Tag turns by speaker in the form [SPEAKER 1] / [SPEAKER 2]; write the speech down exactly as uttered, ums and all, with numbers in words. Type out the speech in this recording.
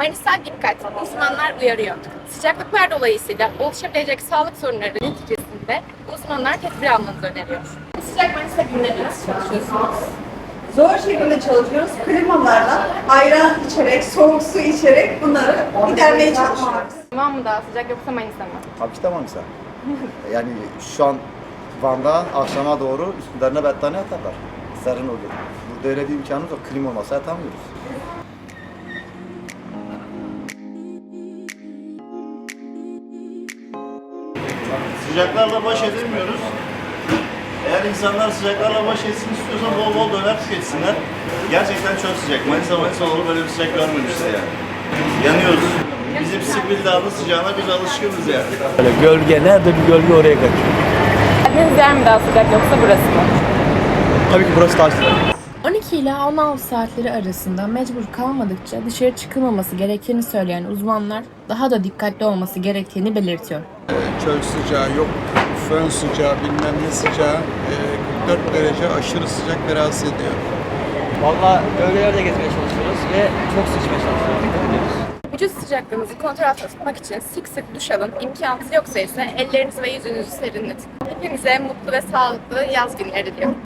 [SPEAKER 1] Panisel dikkat, uzmanlar uyarıyor. Sıcaklıklar dolayısıyla oluşabilecek sağlık sorunları neticesinde uzmanlar tedbir almanızı öneriyor. Sıcak Manisa günlerinde nasıl çalışıyorsunuz?
[SPEAKER 2] Zor şekilde çalışıyoruz. Klimalarla ayran içerek, soğuk su içerek bunları gidermeye çalışıyoruz.
[SPEAKER 1] Van mı daha sıcak yoksa Manisa mı?
[SPEAKER 3] Tabii ki de Manisa. Yani şu an Van'da akşama doğru üstlerine battaniye atarlar. Serin oluyor. Burada öyle bir imkanımız yok. Klima olmasa yatamıyoruz.
[SPEAKER 4] Sıcaklarla baş edemiyoruz. Eğer insanlar sıcaklarla baş etsin istiyorsa bol bol döner tüketsinler. Gerçekten çok sıcak. Manisa Manisa olur böyle bir sıcak görmemişler yani. Yanıyoruz. Bizim Sipil Dağı'nın sıcağına biz alışkınız yani.
[SPEAKER 5] Böyle gölge nerede bir gölge oraya kaçıyor.
[SPEAKER 1] Geldiğiniz yer mi daha sıcak yoksa burası mı?
[SPEAKER 5] Tabii ki burası daha sıcak.
[SPEAKER 6] on iki ila on altı saatleri arasında mecbur kalmadıkça dışarı çıkılmaması gerektiğini söyleyen uzmanlar daha da dikkatli olması gerektiğini belirtiyor.
[SPEAKER 7] Çöl sıcağı yok, fön sıcağı, bilmem ne sıcağı, e, kırk dört derece aşırı sıcak ve rahatsız ediyor.
[SPEAKER 8] Valla bölgelerde gezmeye çalışıyoruz ve çok su içmeye çalışıyoruz. Dikkat ediyoruz.
[SPEAKER 1] Vücut sıcaklığınızı kontrol altında tutmak için sık sık duş alın. İmkanınız yoksa ise ellerinizi ve yüzünüzü serinletin. Hepinize mutlu ve sağlıklı yaz günleri diliyorum.